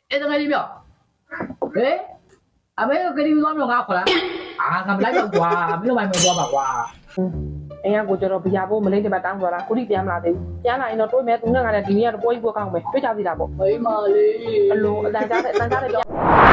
အဲ့ဒါကလေးပြောဟဲ့အမေကကလေးသွားမလို့ငါခေါ်လားအာငါမလိုက်တော့ကွာမင်းတို့မိုင်မသွားပါကွာအိမ်ကကိုကျတော့ဘီယာဖို့မလေးတပတ်တောင်းသွားတာကိုတိပြန်မလာသေးဘူးပြန်လာရင်တော့တွေးမယ်သူနဲ့ငါလည်းဒီနေ့ကတော့ပွဲကြီးပွဲကောင်းပဲတွေ့ကြသေးတာပေါ့မိမလေးအလိုအတန်ကြားတဲ့ပြော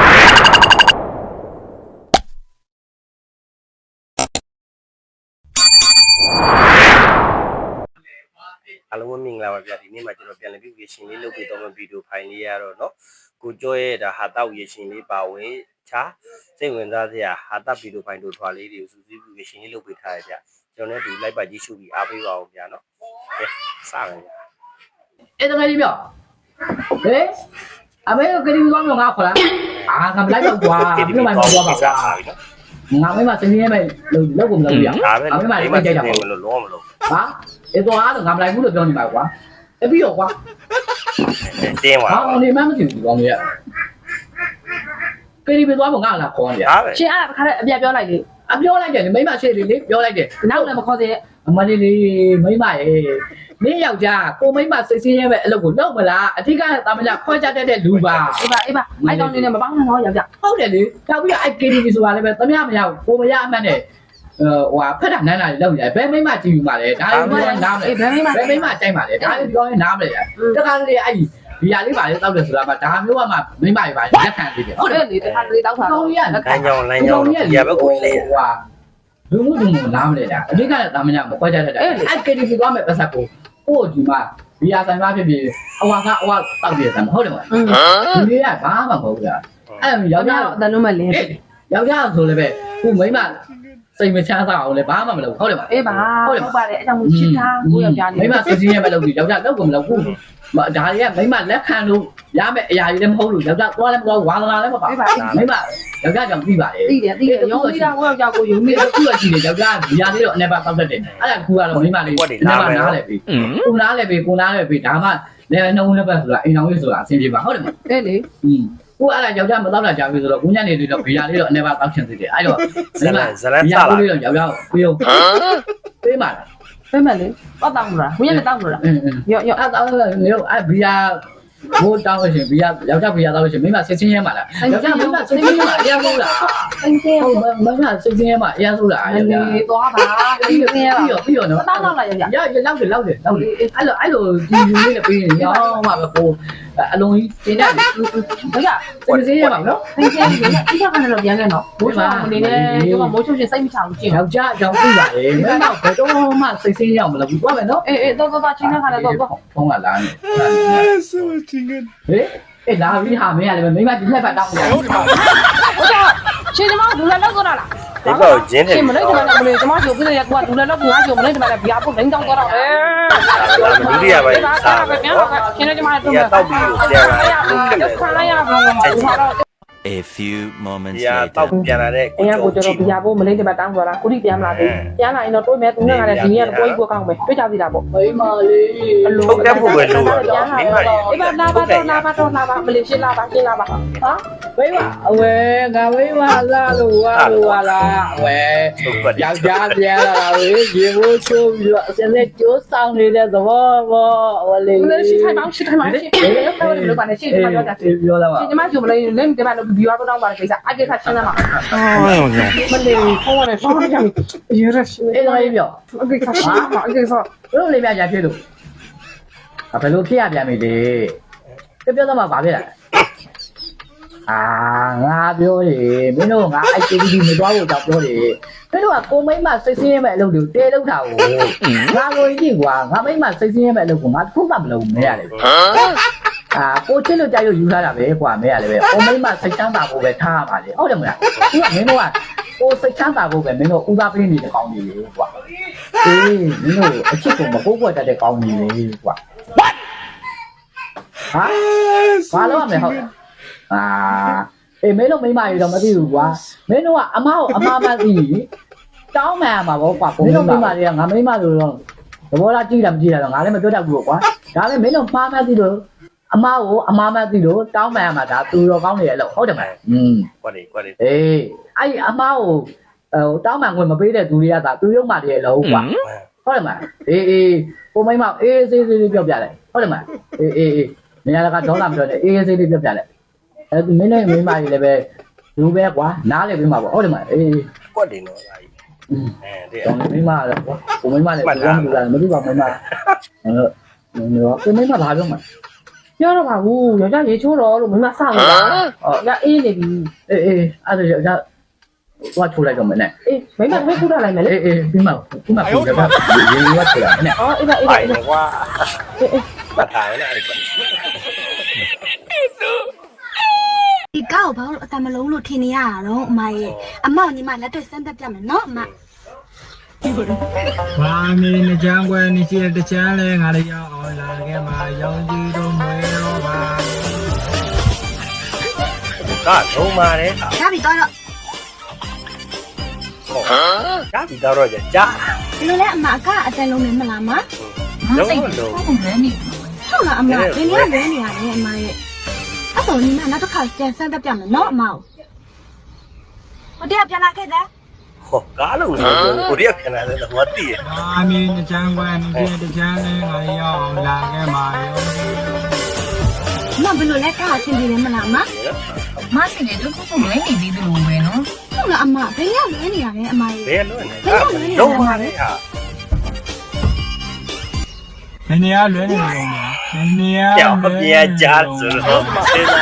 အားလုံးမင်္ဂလာပါဗျာဒီနေ့မှာကျွန်တော်ပြန်လည်ပြီးရေရှင်လေးလုပ်ပြီးတော့ဗီဒီယိုဖိုင်လေးရတော့เนาะကိုကျော်ရဲ့ဒါဟာတောက်ရေရှင်လေးပါဝင်ချာစိတ်ဝင်စားစရာဟာတောက်ဗီဒီယိုဖိုင်တို့ထွာလေးတွေကိုစူးစီးပြီးရေရှင်လေးလုပ်ပေးထားရဗျကျွန်တော်လည်းဒီလိုက်ပါကြည့်ရှုပြီးအားပေးပါအောင်ဗျာเนาะကဲစမယ်ဗျာအဲ့ဒါကလေးပြောဟဲ့အမေကကလေးသွားမလို့ငါခေါ်လားအာငါမလိုက်တော့ကွာမင်းတို့မိုင်မသွားပါကွာငါမိမစင်းရဲမဲ့လောက်ကိုမလုပ်ရအောင်မိမလေးကြိုက်တာပေါ့လို့လုံးမလို့ဟာအဲ့တော့အားတော့ငါမလိုက်ဘူးလို့ပြောနေပါကွာအပြီးတော့ကွာတင်းပါဟာနေမှမသိဘူးကောင်းကြီးကလေးပဲသွားဖို့ငါလာခေါ်နေရရှင်အဲ့ဒါခါတဲ့အပြပြောလိုက်လေအပြောလိုက်တယ်မိမရှေ့လေးပြောလိုက်တယ်နောက်လည်းမခေါ်သေးအမလေးလေးမိမရဲ့နင်းယောက်ျားကိုမိမစိတ်ဆင်းရဲမဲ့အလုပ်ကိုလုပ်မလားအထက်ကတာမလားခွဲကြတတ်တဲ့လူပါအေးပါအဲ့ကောင်လေးနဲ့မပေါင်းနဲ့တော့ယောက်ျားဟုတ်တယ်လေတောက်ပြီးတော့အဲ့ KTV ဆိုတာလည်းပဲသမ ्या မရဘူးကိုမရအမှန်နဲ့ဟိုဖက်တာနန်းလာလောက်ရတယ်ဘယ်မိမကြည့်ယူမှာလဲဒါလည်းပြောနားမလဲဘယ်မိမတိုက်မှာလဲဒါလည်းပြောရင်နားမလဲတခါလေအဲ့ဒီဟာလေးပါလေတောက်တယ်ဆိုတာမှဒါမျိုးကမှမိမတွေပါလက်ခံသေးတယ်ဟုတ်တယ်လေတခါလေတောက်တာကောင်းကြီးကလမ်းကြောင်းဒီဘက်ကိုလေဟွာလူမှုနားမလဲတာအဓိကလည်းတာမ냐မခွဲကြတတ်တယ်အဲ့ KTV သွားမယ်ပတ်သက်ကိုဒီမှာဘီယာဆိုင်မှာဖြစ်ဖြစ်အဝါတောက်ပြတယ်ဟုတ်တယ်မလားဒီလေးကဘာမှမဟုတ်ဘူးအဲ့ယောက်ျားအတန်လုံးမလဲယောက်ျားဆိုလည်းပဲခုမိမစိတ်မချမ်းသာအောင်လည်းဘာမှမလုပ်ဟုတ်တယ်မလားအေးပါဟုတ်ပါတယ်အဲ့ကြောင့်ချစ်တာကိုယောက်ျားလေးမိမစိတ်ချင်းရဲ့ပဲလုပ်ပြီးယောက်ျားလုပ်ကုန်မလုပ်ဘူးဒါတွေကမိမလက်ခံလို့ရမယ့်အရာကြီးလည်းမဟုတ်လို့ယောက်ျားသွားလည်းမသွားဝါသနာလည်းမပါမိမယောက်ျားကြောင့်ပြီးပါလေသိတယ်ရုံးပြီးတာကိုယောက်ျားကိုယုံပြီးတော့ခုရရှိတယ်ယောက်ျားဒီဟာလေးတော့အနေပါတောက်တတ်တယ်အဲ့ဒါခုကတော့မိမလေးအနေပါနားလဲပြီကိုနားလဲပြီဒါမှလည်းနှုံးလည်းပဲဆိုတာအိမ်တော်ကြီးဆိုတာအဆင်ပြေပါဟုတ်တယ်မအေးလေကိုအဲ့ဒါယောက်ျားမတောက်တာကြာပြီဆိုတော့ကိုညနေလေးတော့ဘီယာလေးတော့အနေပါတောက်ချင်သေးတယ်အဲ့တော့ဇလန်ဘီယာလေးတော့ယောက်ျားကိုပြေအောင်ပေးပါလားပေးမယ်လေတောက်တောင်းလို့လားကိုညနေတောက်လို့လားရောအဲ့တောက်လို့လေအဲ့ဘီယာဘိုးတောင်းလို့ရှင်ဘီယာယောက်ျားဘီယာတောက်လို့ရှင်မိမစစ်ချင်းရဲမှာလားယောက်ျားမိမစစ်ချင်းရဲမှာအရင်ဆုံးလားအင်းသေးဟုတ်မိမစစ်ချင်းရဲမှာအရင်ဆုံးလားယောက်ျားသွားပါပြီးတော့နော်တောက်တော့လားယောက်ျားရလောက်တယ်အဲ့လိုဒီယူလေးနဲ့ပြီးရင်ရောမှာပဲကိုအလုံးကြီးတင်တယ်ဘုရားစစ်ချင်းရဲမှာနော်စစ်ချင်းရဲမှာအိကျကနေတော့ပြန်ခဲ့နော်မိုးချောင်းအနေနဲ့ဒီကမိုးချုပ်ရှင်စိတ်မချဘူးကျင်ယောက်ျားအကြောင်းပြပါလေမင်းတော့ဘယ်တော့မှစိတ်ဆင်းရအောင်မလုပ်ဘူးသွားမယ်နော်အေးတော့ချင်းတဲ့ခါလည်းတော့ဖုန်းကလာနေဆိုချင်းဟေးအဲ့လာပြီးဟာမင်းရတယ်မိမဒီလက်ပတ်တောင်းနေတယ်ဟုတ်တယ်ဟုတ်ကဲ့ရှင်ဒီမှာဒူလာလောက်တော့လားဒီတော့ဂျင်းတယ်ရှင်မလေးကလည်းမလေးကျမချိုပြည့်ရကွာဒူလာလောက်ကငါချိုမလေးကလည်းဘီယာပုတ်လိန်တောင်းတော့တယ်ဒုတိယပိုင်းစားပဲပြန်တော့ရှင်လည်းကျမတို့တောက်ပြီးပြန်လာတယ်ခါလိုက်ရပါတော့ A few moments later တောက်ပြန်လာတဲ့ကိုကျတော့ဘီယာဖို့မလေးတပတ်တောင်းသွားတာကိုတိပြန်မလာသေးပြန်လာရင်တော့တွေးမယ်သူနဲ့ငါလည်းဒီနေ့ကတော့ပွဲကြီးပွဲကောင်းပဲတွေ့ကြသေးတာပေါ့မိမလေးအလိုထုတ်တတ်ဖို့ပဲလို့မိမအေးပါလာပါမလေးရှင်းလာပါဟာမိမအဝဲငါမိမလာလို့ဝါလာအဝဲယောက်ျားပြန်လာတာလေရေမိုးချိုးပြီးတော့အစနဲ့ကျိုးဆောင်နေတဲ့သဘောပေါ့အဝလေးရှင်းထိုင်ပါရှင်းဘယ်လိုပါလဲရှင်းထိုင်ပါတော့ပြောလာပါဒီမှာကျမလေးလင်းဒီမှာဘီယာတော့တောင်းပါလေကိစ္စအကိစ္စရှင်းလာမှာမလေးဖုန်းနဲ့ဆောင်းကြရရရှင်းအဲ့ဒါလေးပြောအကိစ္စရှင်းမှာအကိစ္စဘယ်လိုလေးပြကြဖြစ်လို့ဘယ်လိုဖြစ်ရပြန်ပြီလေပြောတော့မှဘာဖြစ်လာအာငါပြောတယ်မင်းတို့ငါအဲ့ KTV မသွားဖို့ကြောက်ပြောတယ်မင်းတို့ကကိုမိမစိတ်ဆင်းရဲမဲ့အလုပ်တွေတဲလောက်တာကိုငါကိုကြည့်ကွာငါမိမစိတ်ဆင်းရဲမဲ့အလုပ်ကိုငါခုမှမလုပ်မရလေကိုချစ်လို့ကြိုက်လို့ယူထားတာပဲကွာမဲရလေပဲကိုမိမစိတ်ချမ်းသာဖို့ပဲထားရပါလေဟုတ်တယ်မလားဒီကမင်းတို့ကကိုစိတ်ချမ်းသာဖို့ပဲမင်းတို့ဦးစားပေးနေတဲ့ကောင်းကြီးလေကွာအေးမင်းတို့အချစ်ကိုမပိုးပွက်တတ်တဲ့ကောင်းကြီးလေကွာဘာလို့ရမလဲဟုတ်အေးမင်းတို့မိမကြီးတော့မသိဘူးကွာမင်းတို့ကအမကိုအမမသိတောင်းမှန်မှာပေါ့ကွာမင်းတို့မိမတွေကငါမိမဆိုတော့သဘောလားကြည့်တာမကြည့်တာတော့ငါလည်းမပြောတတ်ဘူးကွာဒါလည်းမင်းတို့မှားမှသိလို့အမကိုအမမသိလို့တောင်းမှန်မှာဒါသူတော်ကောင်းနေရဲ့လို့ဟုတ်တယ်မလားကွက်တယ်အေးအဲ့အမကိုတောင်းမှန်ခွင့်မပေးတဲ့သူတွေကသာသူရုံမှတည်းလို့ကွာဟုတ်တယ်မလားအေးကိုမိမအေးစေးပြောပြလိုက်ဟုတ်တယ်မလားအေးနေရာကဒေါ်လာမပြောနဲ့အေးစေးလေးပြောပြလိုက်အဲ့မင်းနဲ့မိမကြီးလည်းပဲလူပဲကွာနားလည်းပြီးမှာပေါ့ဟုတ်တယ်မအေးကွက်တယ်နော်ဒါကြီးတဲ့တော့မိမလည်းကွာကိုမိမလည်းပြောမှလာမသိပါမိမအဲ့မိမဘာပြောမှာပြောတော့ပါဘူးယောက်ျားရေချိုးတော့လို့မမဆောက်နေတာငါအေးနေပြီအေးအဲ့ဒါကြောင့်သွားထိုးလိုက်တော့မနဲ့အေးမိမသမီးခုထားလိုက်မယ်လေအေးပြီးမှပြီးမှပြန်ရထိုးလိုက်နဲ့အော်အေးပါအေးပါပိုင်အေးနေကွာအေးမထားနဲ့အဲ့ကွက်ဒီကောက်ဘာလို့အတမလုံးလို့ထင်နေရတာတော့အမရဲ့အမောင်ညီမလက်တွေ့စမ်းသက်ပြမယ်နော်အမဘာမင်းနကြံကွယ်နေရှိတဲ့ချမ်းလဲငါလည်းရောက်အောင်လာခဲ့မှာရောင်ကြီးတို့မွေတော့ပါကလုံးပါတယ်ရပြီတော့ကပြီးတော့ကြာဒီလိုလဲအမကအတန်လုံးနဲ့မလားမလုံးလုံးဟုတ်လားအမဒီနေ့လဲနေရတယ်အမရဲ့အဲ့တော့ညီမနောက်တစ်ခါပြန်စမ်းသက်ပြမယ်နော်အမောင်ဟိုတည်းပြန်လာခဲ့တယ်ဟောကားလုံးကိုကိုရီးယားခဏလည်းတော့တည်ရဘာမင်းနကြံကွယ်နေရှိတဲ့ချမ်းလဲငါလည်းရောက်အောင်လာခဲ့မှာရောင်ကြီးတို့မဘယ်လိုလဲကားအဆင်ပြေတယ်မလားမမဆင်နေတော့ခုခုလွဲနေသေးတယ်လို့ပဲနော်ဟုတ်လားအမဘယ်ရောက်လဲနေရတယ်အမရဲ့ဘယ်လိုလဲလုံးပါတယ်ဟာဘယ်နေရာလွဲနေလို့လဲဘယ်နေရာကြောက်ပြရကြဆိုတော့စဉ်းစား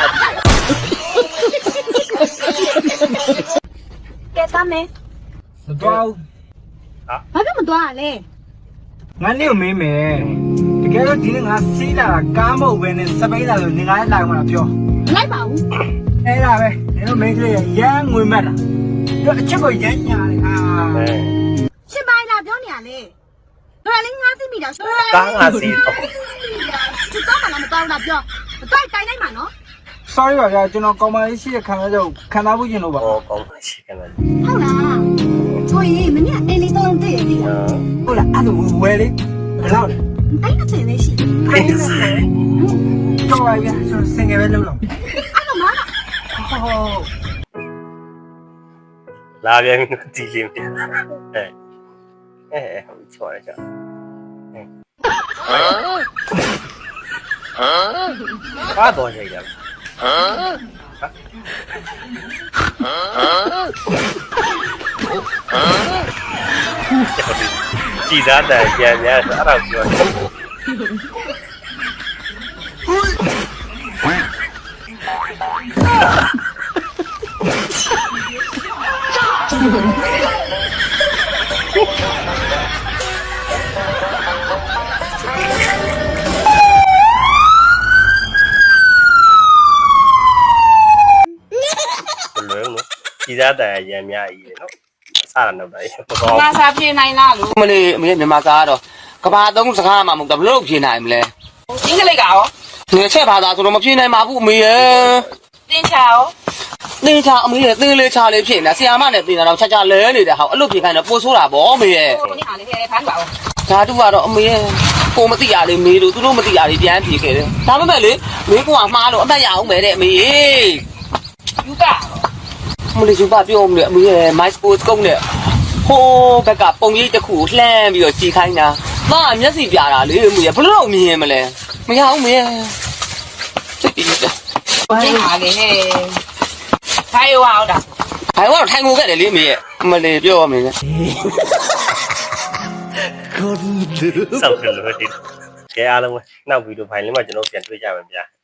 ကဲသားမယ်မတော်ဘူးဘာဖြစ်မသွားရလဲငါနေကိုမေးမယ်တကယ်လို့ဒီနေ့ငါစီးလာတာကားမဟုတ်ပဲနဲ့စပိန်လာလို့နေငါလည်းလာမှာပြောမလိုက်ပါဘူးအဲ့ဒါပဲနေတော့မင်းကလေးရမ်းငွေမက်တာတို့အချက်ကိုရမ်းညာတယ်ဟာရှင်းပိုင်းလာပြောနေရလေတော်လေးငါသိမိတာရှင်းကားငါစီတော့သူတော့မှမတော်တာပြောတော့တိုင်လိုက်မှာနော် sorry ပါဗျာကျွန်တော်ကောင်မလေးရှိတဲ့ခံရတော့ခံစားဖို့ကျင်လို့ပါဟောကောင်းရှိကလည်းဟုတ်လားဆိုရင်မနေ့အေးလေးတော့တည့်ရသေးတယ်ဟုတ်လားအဲ့ဒါဝယ်လေဘယ်လောက်လဲတိုင်းတစ်လေးရှိတယ်အဲ့ဒါတော့ပါဗျာကျွန်တော်စင်ငယ်ပဲလုပ်လို့အဲ့တော့မလားဟုတ်လာပြန်ဒီလေးပြန်ဟုတ်ချော်ရကြဘာတော့ကြိုက်ကြကြည်သားတယ်ပြန်ပြန်အဲ့ဒါပြောကြည်သားတယ်ရံများကြီးနော်စတာတော့တယ်ဘောငါစားပြေးနိုင်လားလို့မလေးအမေမြန်မာသားကတော့ကဘာသုံးစကားမှမဟုတ်တော့ဘလို့ဖြေနိုင်မလဲအင်္ဂလိပ်ကရောငယ်ချက်ဘာသာဆိုတော့မဖြေနိုင်ပါဘူးအမေရဲ့တင်းချာရောသင်ချာအမေရဲ့သင်လေးချာလေးဖြေနေဆရာမနဲ့သင်တာတော့ချာချာလဲနေတဲ့ဟာအဲ့လိုဖြေခိုင်းတော့ပို့ဆိုးတာဗောအမေရဲ့ကိုနေဟာလေးခဲဖမ်းပါဦးဓာတုကတော့အမေရဲ့ကိုမသိရလေးမေးလို့သူတို့မသိရလေးပြန်ဖြေခဲ့တယ်ဒါပေမဲ့လေမေးကွာမှားလို့အသက်ရအောင်ပဲတဲ့အမေရဲ့ယူကမလေးစုပါပြောမလို့အမေရဲ့ my sports ကုန်းနဲ့ဟိုးဘက်ကပုံရိပ်တစ်ခုကိုလှမ်းပြီးတော့ကြည်ခိုင်းတာသားမျက်စိပြတာလေအမေရဲ့ဘလို့မြင်မလဲမရဘူးမေရဲ့စိတ်ပြီးတယ်တင်းဟာလေးဟဲ့ခိုင်ရောအောင်တာ။ဘာလို့ထိုင်ငိုခဲ့တယ်လေမေရဲ့အမလေးပြောရမယ်လေစောက်တယ်လို့ဒီကဲအားလုံးပဲနောက်ဗီဒီယိုဖိုင်လေးမှာကျွန်တော်ပြန်တွေ့ကြပါဗျာ